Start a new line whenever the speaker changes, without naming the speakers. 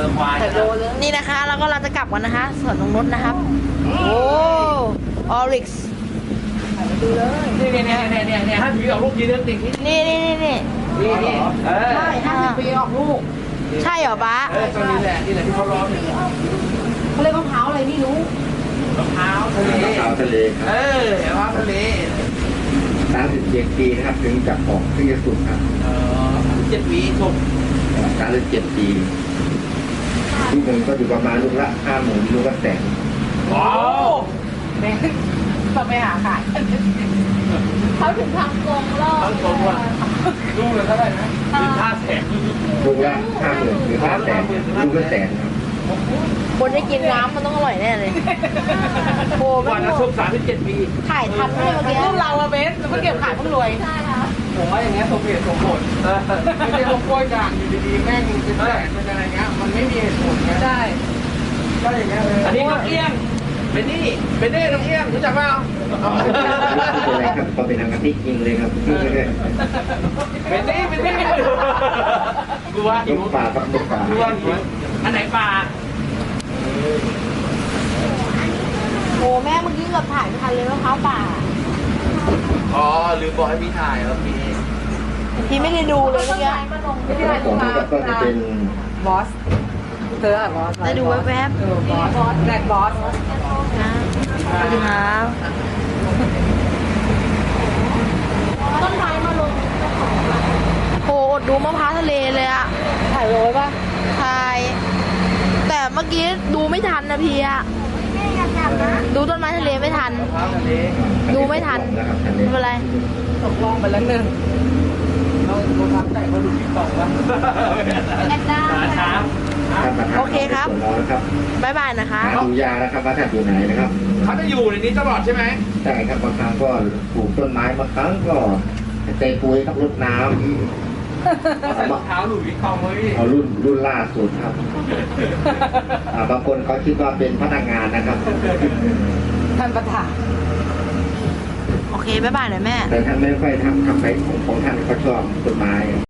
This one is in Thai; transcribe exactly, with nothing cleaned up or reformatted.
อควาย
แต่โลเลย
นี่นะคะเราก็เราจะกลับกันนะคะสวนนงนุชนะครับโอ้ออริกซ์
ดูเลย
นี่เนี่ยเนี่ยเนี่ยเนี่ยเนี่ยถ้าผีออกลูกยีเรื่องติ่งที่
นี่นี่นี่นี่
นี่นี่เออ
ใช่ห้าสิบปีออกลูก
ใช่เหรอบ้า
เออตรงนี้แหละนี่แหละที่เขาร้องเนี่ย
เขาเรียกมะพร้าวอะไรไม่รู้
มะพร้าวทะเล
มะพร้าวทะเลค
เอ
รับ
อมะพร้าวทะเล
สามสิบเจ็ดปีนะครับถึงจะออกถึงจะสุดครับ
เออเจ็ดวีชม
สามสิบเจ็ดปีลูกหนึ่งก็อยู่ประมาณลูกละห้าหมื่นลูกละแสน
ว้าว
แม่ต้องไปหาขายเขาถึงทำกรงรอบ
ทั้งสองว่าลูกเลยเท่าไหร่นะถึงห้าแสน
ลูกละห้าหมื่นหรือห้าแสนลูกละแสนครับ
คนได้กินน้ำมันต้องอร่อยแน่เลยโอ้
วั
ไม่
นละชมสามสิบเจ็ดปี
ถ่ายทันไหมเมื่อกี้
ลูกเราอะเบสเพิ่งเก็บขายเพิ่งรวยใช่ค่ะ
ผมว่าอย่างเงี้ยสมเหตุสมผลไม่ใช่พวกกล้วยด่างอยู่ดีๆแม่งเป็นแสนเป็นอะไรเงี้ยมันไม่มีเหตุผลไง
ใช่
ก็อย่างเงี้ยเลยอันนี้นกเอี้ยงเป็นนี่เป็นนี่นกเอี้ยงรู้จักเปล่า
ไม่เป็นไรครับก็เป็นทางกะทิจริงเลยครับ
เป็นนี่เป็นนี่กูว่า
ลูกป่าครับลูกป่า
กูว่าอันไหนปลา
โอ้แม่เมื่อกี้เกือบถ่ายไม่ทันเลยมะพร้าวป่า
อ๋อลืมบอกให้พี่ถ่ายแล้วพี่
พี่ไม่ได้ดูเลยเมื่อกี้
ไม่ได้
ของนี้ก็จะเป็น
บอสเธออะบอส
ได้ดูแวบ
เออบอสแรดบอส
ๆนะสวัสดีครับ
ต้นไม้มาลง
โอ้อดดูมะพร้าวทะเลเลยอะ
ถ่ายโรยป่ะ
ถ่าย แต่เมื่อกี้ดูไม่ทันนะพี่อะดูต้นไม้ทะเลไม่ทัน ดูไม่ทัน
นะครับทัน
ไม่เป็นไร
ตกลงไปแล้วหนึ่ง
เราเราทำแต่เขาหลุดติ๊กต็อกวะ
แอดด้า
ช้า
โอเคครับ
ส่วนเรานะครับ
บ๊ายบายนะคะ
หาดูยากนะครับว่าท่านอยู่ไหนนะครับ
เขาจะอยู่ในนี้ตลอดใช่ไหม
ใช่ครับบางครั้งก็ปลูกต้นไม้บางครั้งก็เตะปุ๋ยครับรดน้
ใส่รองเท้าหลุดวิกตองเลยพี่
ำเอารุ่นรุ่นล่าสุดครับอ่าบางคนเขาคิดว่าเป็นพนักงานนะครับ
ท่านประธาน
โอเค บ๊ายบายหน่อยแม่
แต่ท่านไม่ค่อยทำทำไปของของท่านเขาชอบต้นไม้